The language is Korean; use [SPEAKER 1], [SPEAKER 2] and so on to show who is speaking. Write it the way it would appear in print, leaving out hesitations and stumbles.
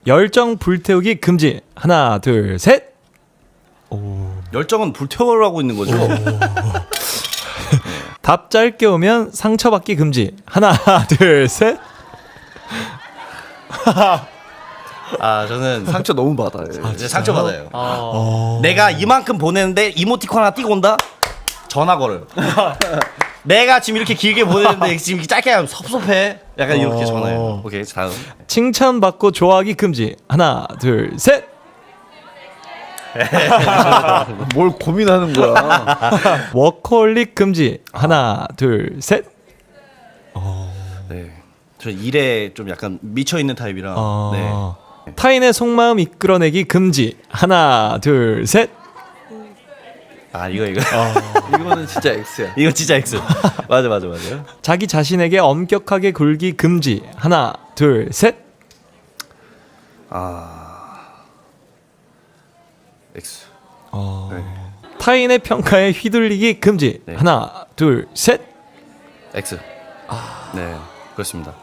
[SPEAKER 1] 열정 불태우기 금지. 하나, 둘, 셋.
[SPEAKER 2] 열정은 불태우라고 있는 거죠.
[SPEAKER 1] 답 짧게 오면 상처받기 금지. 하나, 둘, 셋.
[SPEAKER 2] 아 저는
[SPEAKER 3] 상처 너무 받아요.
[SPEAKER 2] 이제 상처 받아요. 내가 이만큼 보내는데 이모티콘 하나 띄고 온다? 전화 걸어요. 내가 지금 이렇게 길게 보내는데 지금 이렇게 짧게 하면 섭섭해. 약간 이렇게 전화해요. 오케이 다음.
[SPEAKER 1] 칭찬받고 좋아하기 금지. 하나, 둘, 셋.
[SPEAKER 3] 뭘 고민하는 거야?
[SPEAKER 1] 워커홀릭 금지. 하나, 둘, 셋.
[SPEAKER 2] 네. 저 일에 좀 약간 미쳐 있는 타입이라. 네.
[SPEAKER 1] 타인의 속마음 이끌어내기 금지. 하나, 둘, 셋.
[SPEAKER 2] 아 이거
[SPEAKER 3] 이거는 진짜 X야.
[SPEAKER 2] 이거 진짜 X. 맞아.
[SPEAKER 1] 자기 자신에게 엄격하게 굴기 금지. 하나, 둘, 셋.
[SPEAKER 2] X.
[SPEAKER 1] 타인의 평가에 휘둘리기 금지.
[SPEAKER 2] 네.
[SPEAKER 1] 하나, 둘, 셋.
[SPEAKER 2] X. 네 그렇습니다.